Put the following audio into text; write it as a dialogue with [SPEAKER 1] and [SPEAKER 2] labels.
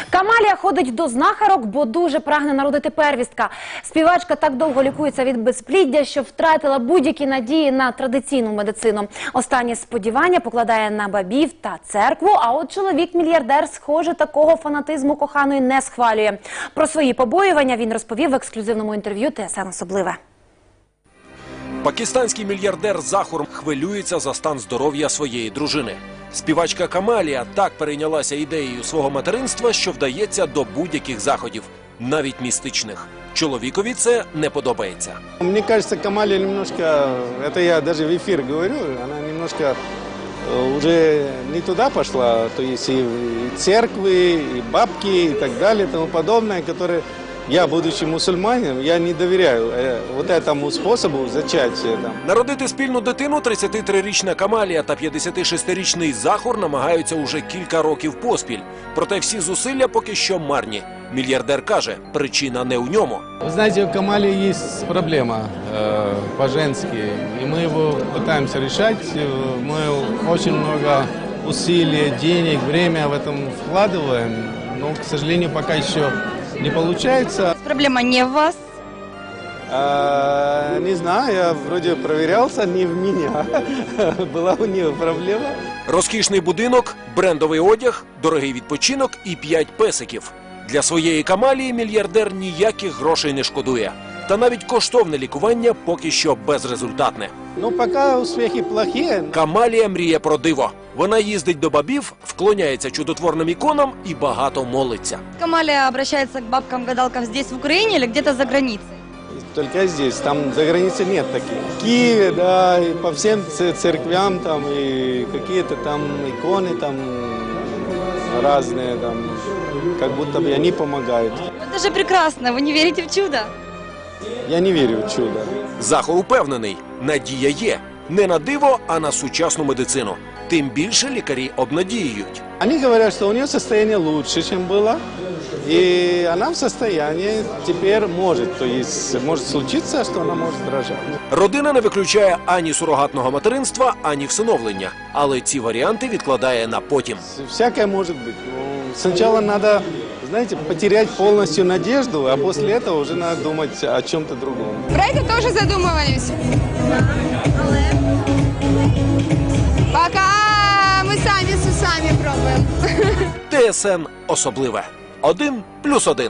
[SPEAKER 1] Камалія ходить до знахарок, бо дуже прагне народити первістка. Співачка так довго лікується від безпліддя, що втратила будь-які надії на традиційну медицину. Останні сподівання покладає на бабів та церкву, а от чоловік-мільярдер, схоже, такого фанатизму коханої не схвалює. Про свої побоювання він розповів в ексклюзивному інтерв'ю ТСН «Особливе».
[SPEAKER 2] Пакистанський мільярдер Захур хвилюється за стан здоров'я своєї дружини. Співачка Камалія так перейнялася ідеєю свого материнства, що вдається до будь-яких заходів, навіть містичних. Чоловікові це не подобається.
[SPEAKER 3] Мне кажется, Камалия немножко, это я даже в эфир говорю, она немножко уже не туда пошла, то есть и церкви, и бабки, и так далее, и тому подобное, которые я, будучи мусульманином, я не доверяю вот этому способу зачатия.
[SPEAKER 2] Народити спільну дитину 33-річна Камалія та 56-річний Захур намагаються уже кілька років поспіль. Проте всі зусилля поки що марні. Мільярдер каже, причина не у ньому.
[SPEAKER 3] Вы знаете, у Камалии есть проблема по-женски, и мы его пытаемся решать. Мы очень много усилий, денег, время в этом вкладываем, но, к сожалению, пока еще не получается.
[SPEAKER 4] Проблема не в вас?
[SPEAKER 3] Не знаю, я вроде проверялся, не в меня. Была у нее проблема.
[SPEAKER 2] Розкішний будинок, брендовий одяг, дорогий відпочинок і 5 песиків. Для своєї Камалії мільярдер ніяких грошей не шкодує. Та навіть коштовне лікування поки що безрезультатне.
[SPEAKER 3] Ну, пока успехи плохие.
[SPEAKER 2] Камалія мріє про диво. Вона їздить до бабів, вклоняється чудотворним іконам і багато молиться.
[SPEAKER 4] Камалия обращается к бабкам-гадалкам здесь, в Украине, или где-то за границей?
[SPEAKER 3] Только здесь, там за границей нет таких. В Киеве, да, и по всем церквям там, и какие-то там иконы там разные, там, как будто бы они помогают.
[SPEAKER 4] Это же прекрасно, вы не верите в чудо?
[SPEAKER 3] Я не верю в чудо.
[SPEAKER 2] Захур упевнений, надія є. Не на диво, а на сучасну медицину. Тим більше лікарі обнадіюють.
[SPEAKER 3] Они говорят, что у нее состояние лучше, чем было, и она в состоянии теперь может, то есть может случиться, что она может рожать.
[SPEAKER 2] Родина не виключає ані сурогатного материнства, ані всиновлення. Але ці варіанти відкладає на потім.
[SPEAKER 3] Всякое может быть. Ну, сначала надо, знаете, потерять полностью надежду, а после этого уже надо думать о чем-то другом.
[SPEAKER 5] Про это тоже задумывались. Пока мы сами с усами пробуем.
[SPEAKER 2] ТСН «Особливе». 1+1.